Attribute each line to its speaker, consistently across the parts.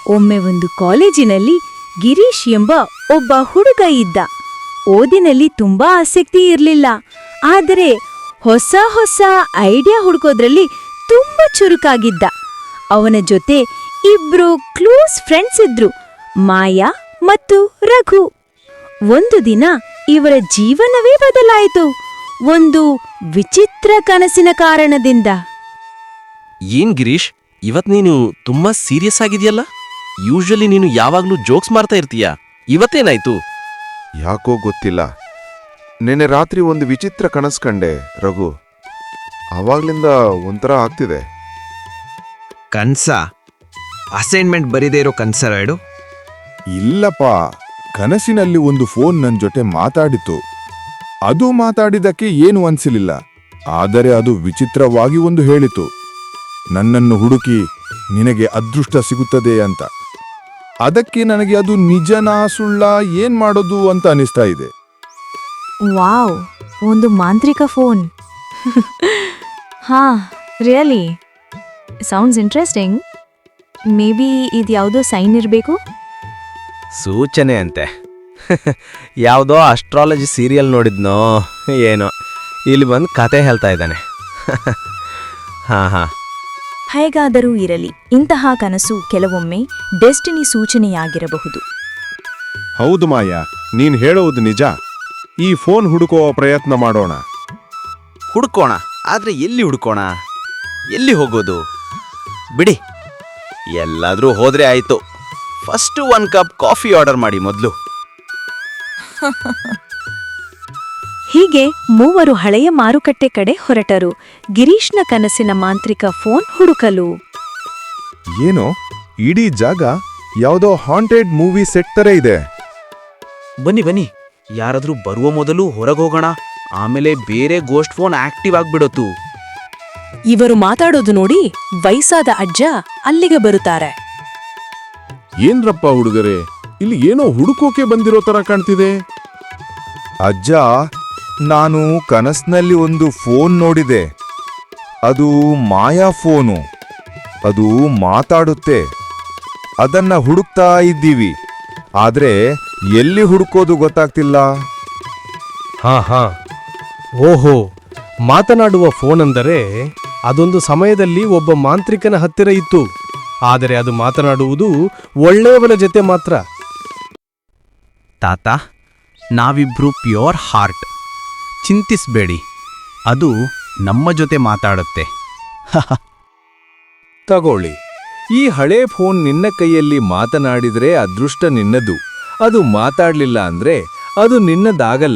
Speaker 1: ಒಮ್ಮೆ ಒಂದು ಕಾಲೇಜಿನಲ್ಲಿ ಗಿರೀಶ್ ಎಂಬ ಒಬ್ಬ ಹುಡುಗ ಇದ್ದ. ಓದಿನಲ್ಲಿ ತುಂಬಾ ಆಸಕ್ತಿ ಇರಲಿಲ್ಲ, ಆದರೆ ಹೊಸ ಹೊಸ ಐಡಿಯಾ ಹುಡುಕೋದ್ರಲ್ಲಿ ತುಂಬಾ ಚುರುಕಾಗಿದ್ದ. ಅವನ ಜೊತೆ ಇಬ್ರು ಕ್ಲೋಸ್ ಫ್ರೆಂಡ್ಸ್ ಇದ್ರು, ಮಾಯಾ ಮತ್ತು ರಘು. ಒಂದು ದಿನ ಇವರ ಜೀವನವೇ ಬದಲಾಯಿತು, ಒಂದು ವಿಚಿತ್ರ ಕನಸಿನ ಕಾರಣದಿಂದ.
Speaker 2: ಏನ್ ಗಿರೀಶ್, ಇವತ್ ನೀನು ತುಂಬಾ ಸೀರಿಯಸ್ ಆಗಿದೆಯಲ್ಲ? ಯೂಶಲಿ ನೀನು ಯಾವಾಗ್ಲೂ ಜೋಕ್ಸ್ ಮಾಡ್ತಾ ಇರ್ತೀಯ, ಇವತ್ತೇನಾಯ್ತು?
Speaker 3: ಯಾಕೋ ಗೊತ್ತಿಲ್ಲ, ನೆನ್ನೆ ರಾತ್ರಿ ಒಂದು ವಿಚಿತ್ರ ಕನಸು ಕಂಡೆ ರಘು. ಆವಾಗ್ಲಿಂದ ಒಂಥರ ಆಗ್ತಿದೆ.
Speaker 4: ಕನ್ಸ? ಅಸೈನ್ಮೆಂಟ್ ಬರೀದೇ ಇರೋ ಕನ್ಸರಾಯ್ಡು?
Speaker 5: ಇಲ್ಲಪ್ಪ, ಕನಸಿನಲ್ಲಿ ಒಂದು ಫೋನ್ ನನ್ನ ಜೊತೆ ಮಾತಾಡಿತು. ಅದು ಮಾತಾಡಿದಕ್ಕೆ ಏನು ಅನ್ಸಲಿಲ್ಲ, ಆದರೆ ಅದು ವಿಚಿತ್ರವಾಗಿ ಒಂದು ಹೇಳಿತು, ನನ್ನನ್ನು ಹುಡುಕಿ ನಿನಗೆ ಅದೃಷ್ಟ ಸಿಗುತ್ತದೆ ಅಂತ. ಅದಕ್ಕೆ ನನಗೆ ಅದು ನಿಜನಾ ಸುಳ್ಳ ಏನ್ ಮಾಡೋದು ಅಂತ ಅನಿಸ್ತಾ ಇದೆ.
Speaker 1: ವಾವ್, ಒಂದು ಮಾಂತ್ರಿಕ ಫೋನ್. ಹಾ, really sounds interesting. May be ಇದ್ಯಾವುದೋ ಸೈನ್ ಇರಬೇಕು.
Speaker 2: ಸೂಚನೆ ಅಂತೆ. ಯಾವುದೋ ಅಸ್ಟ್ರಾಲಜಿ ಸೀರಿಯಲ್ ನೋಡಿದ್ನೋ ಏನೋ, ಇಲ್ಲಿ ಬಂದು ಕತೆ ಹೇಳ್ತಾ ಇದ್ದಾನೆ. ಹಾ.
Speaker 1: ಹೇಗಾದರೂ ಇರಲಿ, ಇಂತಹ ಕನಸು ಕೆಲವೊಮ್ಮೆ ಡೆಸ್ಟಿನಿ ಸೂಚನೆಯಾಗಿರಬಹುದು.
Speaker 3: ಹೌದು ಮಾಯಾ, ನೀನ್ ಹೇಳೋದು ನಿಜ. ಈ ಫೋನ್ ಹುಡುಕೋ ಪ್ರಯತ್ನ ಮಾಡೋಣ.
Speaker 2: ಹುಡ್ಕೋಣ, ಆದ್ರೆ ಎಲ್ಲಿ ಹುಡ್ಕೋಣ? ಎಲ್ಲಿ ಹೋಗೋದು? ಬಿಡಿ, ಎಲ್ಲಾದ್ರೂ ಹೋದ್ರೆ ಆಯ್ತು. ಫಸ್ಟ್ 1 ಕಪ್ ಕಾಫಿ ಆರ್ಡರ್ ಮಾಡಿ ಮೊದಲು.
Speaker 1: ಹೀಗೆ ಮೂವರು ಹಳೆಯ ಮಾರುಕಟ್ಟೆ ಕಡೆ ಹೊರಟರು, ಗಿರೀಶ್ನ ಕನಸಿನ ಮಾಂತ್ರಿಕ ಫೋನ್ ಹುಡುಕಲು.
Speaker 5: ಏನೋ ಇಡೀ ಜಾಗ ಯಾವುದೋ ಹಾಂಟೆಡ್ ಮೂವಿ ಸೆಟ್ ತರ ಇದೆ.
Speaker 2: ಬನ್ನಿ, ಯಾರಾದ್ರೂ ಬರುವ ಮೊದಲು ಹೊರಗೋಗೋಣ, ಆಮೇಲೆ ಬೇರೆ ಗೋಸ್ಟ್ ಫೋನ್ ಆಕ್ಟಿವ್ ಆಗ್ಬಿಡತ್ತು.
Speaker 6: ಇವರು ಮಾತಾಡೋದು ನೋಡಿ ವಯಸ್ಸಾದ ಅಜ್ಜ ಅಲ್ಲಿಗೆ ಬರುತ್ತಾರೆ.
Speaker 5: ಏನ್ರಪ್ಪ ಹುಡುಗರೇ, ಇಲ್ಲಿ ಏನೋ ಹುಡುಕೋಕೆ ಬಂದಿರೋ ತರ ಕಾಣ್ತಿದೆ. ಅಜ್ಜ, ನಾನು ಕನಸ್ನಲ್ಲಿ ಒಂದು ಫೋನ್ ನೋಡಿದೆ. ಅದು ಮಾಯಾ ಫೋನು. ಅದು ಮಾತಾಡುತ್ತೆ. ಅದನ್ನ ಹುಡುಕ್ತಾ ಇದ್ದೀವಿ, ಆದ್ರೆ ಎಲ್ಲಿ ಹುಡುಕೋದು ಗೊತ್ತಾಗ್ತಿಲ್ಲ.
Speaker 7: ಹಾ. ಓಹೋ, ಮಾತನಾಡುವ ಫೋನ್ ಅಂದರೆ ಅದೊಂದು ಸಮಯದಲ್ಲಿ ಒಬ್ಬ ಮಾಂತ್ರಿಕನ ಹತ್ತಿರ ಇತ್ತು. ಆದರೆ ಅದು ಮಾತನಾಡುವುದು ಒಳ್ಳೆಯವರ ಜೊತೆ ಮಾತ್ರ.
Speaker 2: ತಾತ, ನಾವಿಬ್ರು ಪ್ಯೂರ್ ಹಾರ್ಟ್, ಚಿಂತಿಸ್ಬೇಡಿ, ಅದು ನಮ್ಮ ಜೊತೆ ಮಾತಾಡುತ್ತೆ.
Speaker 5: ತಗೊಳ್ಳಿ, ಈ ಹಳೇ ಫೋನ್ ನಿನ್ನ ಕೈಯಲ್ಲಿ ಮಾತನಾಡಿದ್ರೆ ಅದೃಷ್ಟ ನಿನ್ನದು. ಅದು ಮಾತಾಡ್ಲಿಲ್ಲ ಅಂದ್ರೆ ಅದು ನಿನ್ನದಾಗಲ್ಲ.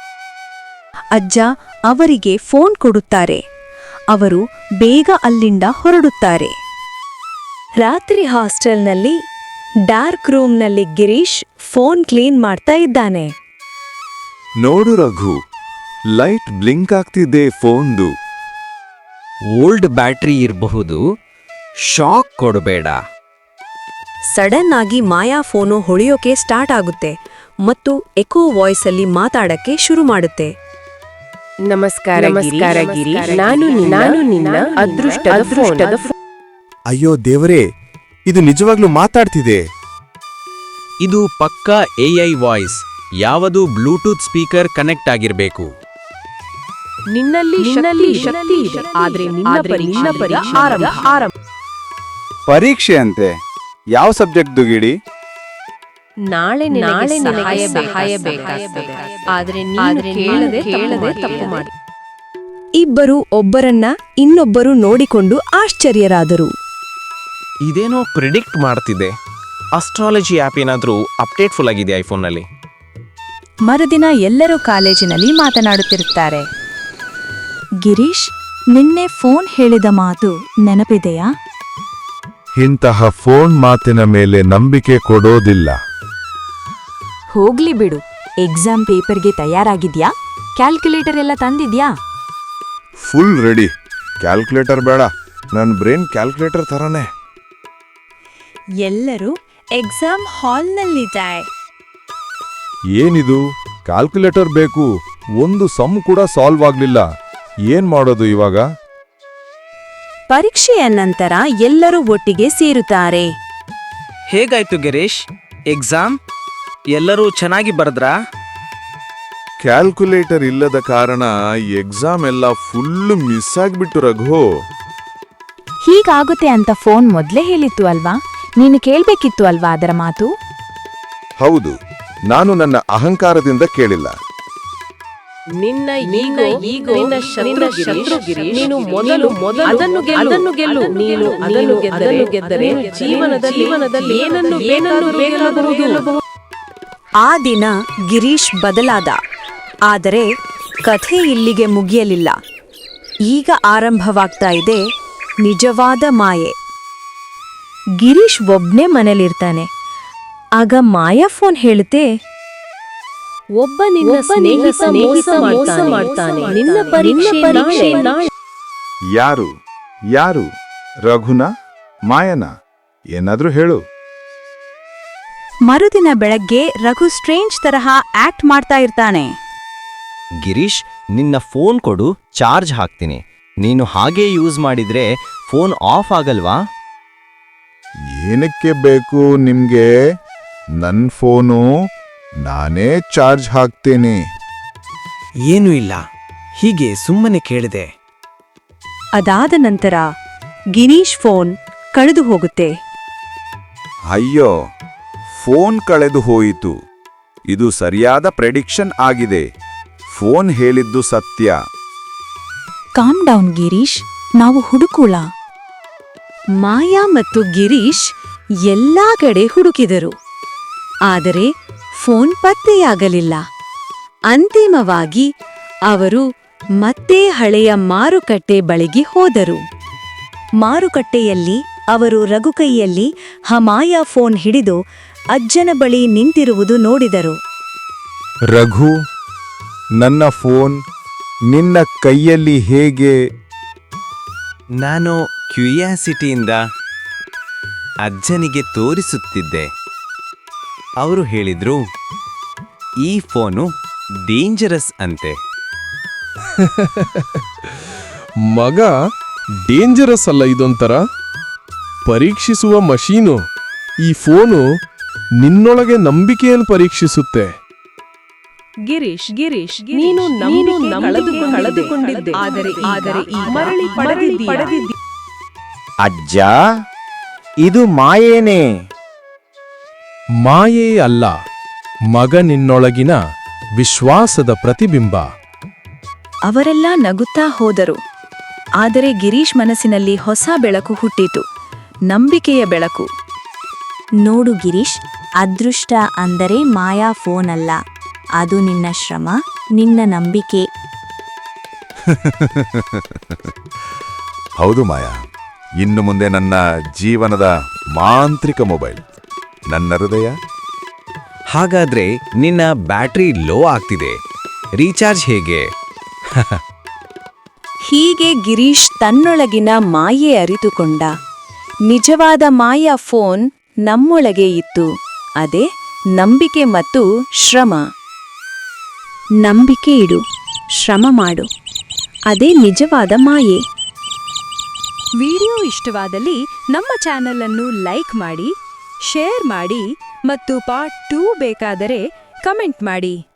Speaker 1: ಅಜ್ಜ ಅವರಿಗೆ ಫೋನ್ ಕೊಡುತ್ತಾರೆ. ಅವರು ಬೇಗ ಅಲ್ಲಿಂದ ಹೊರಡುತ್ತಾರೆ. ರಾತ್ರಿ ಹಾಸ್ಟೆಲ್ನಲ್ಲಿ ಡಾರ್ಕ್ ರೂಮ್ನಲ್ಲಿ ಗಿರೀಶ್ ಫೋನ್ ಕ್ಲೀನ್ ಮಾಡ್ತಾ ಇದ್ದಾನೆ.
Speaker 3: ನೋಡು ರಘು, ಲೈಟ್ ಬ್ಲಿಂಕ್ ಆಗ್ತಿದೆ ಫೋನ್ದು.
Speaker 4: ಓಲ್ಡ್ ಬ್ಯಾಟ್ರಿ ಇರಬಹುದು, ಶಾಕ್ ಕೊಡಬೇಡ.
Speaker 6: ಸಡನ್ ಆಗಿ ಮಾಯಾ ಫೋನು ಹೊಳೆಯೋಕೆ ಸ್ಟಾರ್ಟ್ ಆಗುತ್ತೆ ಮತ್ತು ಎಕೋ ವಾಯ್ಸ್ ಅಲ್ಲಿ ಮಾತಾಡಕ್ಕೆ ಶುರು ಮಾಡುತ್ತೆ.
Speaker 8: ನಮಸ್ಕಾರ ಗಿರಿ, ನಾನು ನಿನ್ನ ಅದೃಷ್ಟದ ಫೋನ್.
Speaker 3: ಅಯ್ಯೋ ದೇವರೇ, ಇದು ನಿಜವಾಗ್ಲೂ ಮಾತಾಡ್ತಿದೆ.
Speaker 2: ಇದು ಪಕ್ಕಾ AI ವಾಯ್ಸ್. ಯಾವುದು ಬ್ಲೂಟೂತ್ ಸ್ಪೀಕರ್ ಕನೆಕ್ಟ್ ಆಗಿರಬೇಕು.
Speaker 8: ನಿನ್ನಲ್ಲಿ ಶಕ್ತಿ ಇದೆ, ಆದ್ರೆ ನಿನ್ನ ಪರೀಕ್ಷೆ ಆರಂಭ.
Speaker 9: ಪರೀಕ್ಷೆ ಅಂತೆ? ಯಾವ ಸಬ್ಜೆಕ್ಟ್ದು ಗಿಡಿ?
Speaker 8: ನಾಳೆ ಸಹಾಯ ಬೇಕಾಗ್ತದೆ, ಆದ್ರೆ ಕೇಳದೆ ತಪ್ಪು ಮಾಡಿ.
Speaker 6: ಇಬ್ಬರು ಒಬ್ಬರನ್ನ ಇನ್ನೊಬ್ಬರು ನೋಡಿಕೊಂಡು ಆಶ್ಚರ್ಯರಾದರು.
Speaker 2: ಇದೇನೋ ಪ್ರಿಡಿಕ್ಟ್ ಮಾಡ್ತಿದೆ. ಅಸ್ಟ್ರಾಲಜಿ ಆ್ಯಪ್ ಏನಾದರೂ ಅಪ್ಡೇಟ್ಫುಲ್ ಆಗಿದೆ ಐಫೋನ್ನಲ್ಲಿ.
Speaker 1: ಮರುದಿನ ಎಲ್ಲರೂ ಕಾಲೇಜಿನಲ್ಲಿ ಮಾತನಾಡುತ್ತಿರುತ್ತಾರೆ. ಗಿರೀಶ್, ನಿನ್ನೆ ಫೋನ್ ಹೇಳಿದ ಮಾತು ನೆನಪಿದೆಯಾ?
Speaker 5: ಇಂತಹ ಫೋನ್ ಮಾತಿನ ಮೇಲೆ ನಂಬಿಕೆ ಕೊಡೋದಿಲ್ಲ.
Speaker 1: ಹೋಗ್ಲಿ ಬಿಡು, ಎಕ್ಸಾಮ್ ಪೇಪರ್ಗೆ ತಯಾರಾಗಿದ್ಯಾ? ಕ್ಯಾಲ್ಕುಲೇಟರ್ ಎಲ್ಲ ತಂದಿದ್ಯಾ?
Speaker 5: Full ready. ಕ್ಯಾಲ್ಕುಲೇಟರ್ ಬೇಡ, ನನ್ನ ಬ್ರೈನ್ ಕ್ಯಾಲ್ಕುಲೇಟರ್ ತರನೇ.
Speaker 1: ಎಲ್ಲರೂ ಎಕ್ಸಾಮ್ ಹಾಲ್ನಲ್ಲಿದ್ದಾರೆ.
Speaker 5: ಏನಿದು, ಕ್ಯಾಲ್ಕುಲೇಟರ್ ಬೇಕು? ಒಂದು ಸಮ್ ಕೂಡ ಸಾಲ್ವ್ ಆಗ್ಲಿಲ್ಲ. ಏನ್ ಮಾಡೋದು ಇವಾಗ?
Speaker 1: ಪರೀಕ್ಷೆಯ ನಂತರ ಎಲ್ಲರೂ ಒಟ್ಟಿಗೆ ಸೇರುತ್ತಾರೆ.
Speaker 10: ಹೇಗಾಯ್ತು ಗಿರೀಶ್ ಎಕ್ಸಾಮ್ ಎಲ್ಲರೂ ಚೆನ್ನಾಗಿ ಬರೆದ್ರಾ?
Speaker 5: ಕ್ಯಾಲ್ಕುಲೇಟರ್ ಇಲ್ಲದ ಕಾರಣ ಎಕ್ಸಾಮ್ ಎಲ್ಲ ಫುಲ್ ಮಿಸ್ ಆಗ್ಬಿಟ್ಟು ರಘು.
Speaker 1: ಹೀಗಾಗುತ್ತೆ ಅಂತ ಫೋನ್ ಮೊದ್ಲೇ ಹೇಳಿತ್ತು ಅಲ್ವಾ? ನೀನು ಕೇಳ್ಬೇಕಿತ್ತು ಅಲ್ವಾ ಅದರ ಮಾತು?
Speaker 5: ಹೌದು, ನಾನು ನನ್ನ ಅಹಂಕಾರದಿಂದ ಕೇಳಿಲ್ಲ.
Speaker 8: ನಿನ್ನ ಈಗೋ ನಿನ್ನ ಶತ್ರು ಗಿರೀಶ್. ನೀನು ಮೊದಲು ಅದನ್ನು ಗೆಲ್ಲು. ನೀನು ಅದನ್ನು ಗೆದ್ದರೆ ಜೀವನದಲ್ಲಿ ಏನನ್ನು ಬೇಕಾದರೂ ಗೆಲ್ಲಬಹುದು.
Speaker 6: ಆ ದಿನ ಗಿರೀಶ್ ಬದಲಾದ. ಆದರೆ ಕಥೆ ಇಲ್ಲಿಗೆ ಮುಗಿಯಲಿಲ್ಲ. ಈಗ ಆರಂಭವಾಗ್ತಾ ಇದೆ ನಿಜವಾದ ಮಾಯೆ.
Speaker 1: ಗಿರೀಶ್ ಒಬ್ನೇ ಮನೇಲಿರ್ತಾನೆ. ಆಗ ಮಾಯಾ ಫೋನ್ ಹೇಳುತ್ತೆ,
Speaker 8: ಒಬ್ಬ ನಿನ್ನ ಸ್ನೇಹಿತ ಮೋಸ ಮಾಡ್ತಾನೆ. ನಿನ್ನ ಪರೀಕ್ಷೆ ನಾಳೆ.
Speaker 5: ಯಾರು? ರಘುನ? ಮಾಯನ? ಏನಾದ್ರೂ ಹೇಳು.
Speaker 6: ಮರುದಿನ ಬೆಳಗ್ಗೆ ರಘು ಸ್ಟ್ರೇಂಜ್ ತರಹ ಆಕ್ಟ್ ಮಾಡ್ತಾ ಇರ್ತಾನೆ.
Speaker 2: ಗಿರೀಶ್, ನಿನ್ನ ಫೋನ್ ಕೊಡು, ಚಾರ್ಜ್ ಹಾಕ್ತೀನಿ. ನೀನು ಹಾಗೇ ಯೂಸ್ ಮಾಡಿದ್ರೆ ಫೋನ್ ಆಫ್ ಆಗಲ್ವಾ?
Speaker 5: ಏನಕ್ಕೆ ಬೇಕು ನಿಮ್ಗೆ? ನನ್ ಫೋನು ನಾನೇ ಚಾರ್ಜ್ ಹಾಕ್ತೇನೆ.
Speaker 10: ಏನೂ ಇಲ್ಲ, ಹೀಗೆ ಸುಮ್ಮನೆ ಕೇಳಿದೆ.
Speaker 6: ಅದಾದ ನಂತರ ಗಿರೀಶ್ ಫೋನ್ ಕಳೆದು ಹೋಗುತ್ತೆ.
Speaker 9: ಅಯ್ಯೋ, ಫೋನ್ ಕಳೆದು ಹೋಯಿತು. ಇದು ಸರಿಯಾದ ಪ್ರೆಡಿಕ್ಷನ್ ಆಗಿದೆ. ಫೋನ್ ಹೇಳಿದ್ದು ಸತ್ಯ.
Speaker 1: ಕಾಮ್ ಡೌನ್ ಗಿರೀಶ್, ನಾವು ಹುಡುಕುಳ.
Speaker 6: ಮಾಯಾ ಮತ್ತು ಗಿರೀಶ್ ಎಲ್ಲಾ ಕಡೆ ಹುಡುಕಿದರು. ಆದರೆ ಫೋನ್ ಪತ್ತೆಯಾಗಲಿಲ್ಲ. ಅಂತಿಮವಾಗಿ ಅವರು ಮತ್ತೆ ಹಳೆಯ ಮಾರುಕಟ್ಟೆ ಬಳಿಗೆ ಹೋದರು. ಮಾರುಕಟ್ಟೆಯಲ್ಲಿ ಅವರು ರಘು ಕೈಯಲ್ಲಿ ಮಾಯಾ ಫೋನ್ ಹಿಡಿದು ಅಜ್ಜನ ಬಳಿ ನಿಂತಿರುವುದು ನೋಡಿದರು.
Speaker 5: ರಘು, ನನ್ನ ಫೋನ್ ನಿನ್ನ ಕೈಯಲ್ಲಿ ಹೇಗೆ?
Speaker 2: ನಾನು ಕ್ಯೂರಿಯಾಸಿಟಿಯಿಂದ ಅಜ್ಜನಿಗೆ ತೋರಿಸುತ್ತಿದ್ದೆ. ಅವರು ಹೇಳಿದ್ರು, ಈ ಫೋನು ಡೇಂಜರಸ್ ಅಂತೆ.
Speaker 7: ಮಗ, ಡೇಂಜರಸ್ ಅಲ್ಲ ಇದೊಂಥರ ಪರೀಕ್ಷಿಸುವ ಮಷೀನು. ಈ ಫೋನು ನಿನ್ನೊಳಗೆ ನಂಬಿಕೆಯನ್ನು ಪರೀಕ್ಷಿಸುತ್ತೆ.
Speaker 8: ಗಿರೀಶ್ ನೀನು ಕಳೆದುಕೊಂಡಿದ್ದೆ. ಆದರೆ ಈ ಮರಳಿ ಪಡೆದಿದ್ದೀಯ.
Speaker 2: ಅಜ್ಜ, ಇದು ಮಾಯೇನೇ.
Speaker 7: ಮಾಯೇ ಅಲ್ಲ, ಮಗ ನಿನ್ನೊಳಗಿನ ವಿಶ್ವಾಸದ ಪ್ರತಿಬಿಂಬ.
Speaker 1: ಅವರೆಲ್ಲ ನಗುತ್ತಾ ಹೋದರು. ಆದರೆ ಗಿರೀಶ್ ಮನಸ್ಸಿನಲ್ಲಿ ಹೊಸ ಬೆಳಕು ಹುಟ್ಟಿತು, ನಂಬಿಕೆಯ ಬೆಳಕು. ನೋಡು ಗಿರೀಶ್, ಅದೃಷ್ಟ ಅಂದರೆ ಮಾಯಾ ಫೋನ್ ಅಲ್ಲ, ಅದು ನಿನ್ನ ಶ್ರಮ, ನಿನ್ನ ನಂಬಿಕೆ.
Speaker 5: ಹೌದು ಮಾಯಾ, ಇನ್ನು ಮುಂದೆ ನನ್ನ ಜೀವನದ ಮಾಂತ್ರಿಕ ಮೊಬೈಲ್ ನನ್ನ ಹೃದಯ.
Speaker 4: ಹಾಗಾದ್ರೆ ನಿನ್ನ ಬ್ಯಾಟರಿ ಲೋ ಆಗ್ತಿದೆ, ರೀಚಾರ್ಜ್ ಹೇಗೆ?
Speaker 6: ಹೀಗೆ ಗಿರೀಶ್ ತನ್ನೊಳಗಿನ ಮಾಯೆ ಅರಿತುಕೊಂಡ. ನಿಜವಾದ ಮಾಯಾ ಫೋನ್ ನಮ್ಮೊಳಗೆ ಇತ್ತು. ಅದೇ ನಂಬಿಕೆ ಮತ್ತು ಶ್ರಮ. ನಂಬಿಕೆ ಇಡು, ಶ್ರಮ ಮಾಡು, ಅದೇ ನಿಜವಾದ ಮಾಯೆ. ವಿಡಿಯೋ ಇಷ್ಟವಾದಲ್ಲಿ ನಮ್ಮ ಚಾನೆಲ್ ಅನ್ನು ಲೈಕ್ ಮಾಡಿ, ಶೇರ್ ಮಾಡಿ ಮತ್ತು ಪಾರ್ಟ್ 2 ಬೇಕಾದರೆ ಕಮೆಂಟ್ ಮಾಡಿ.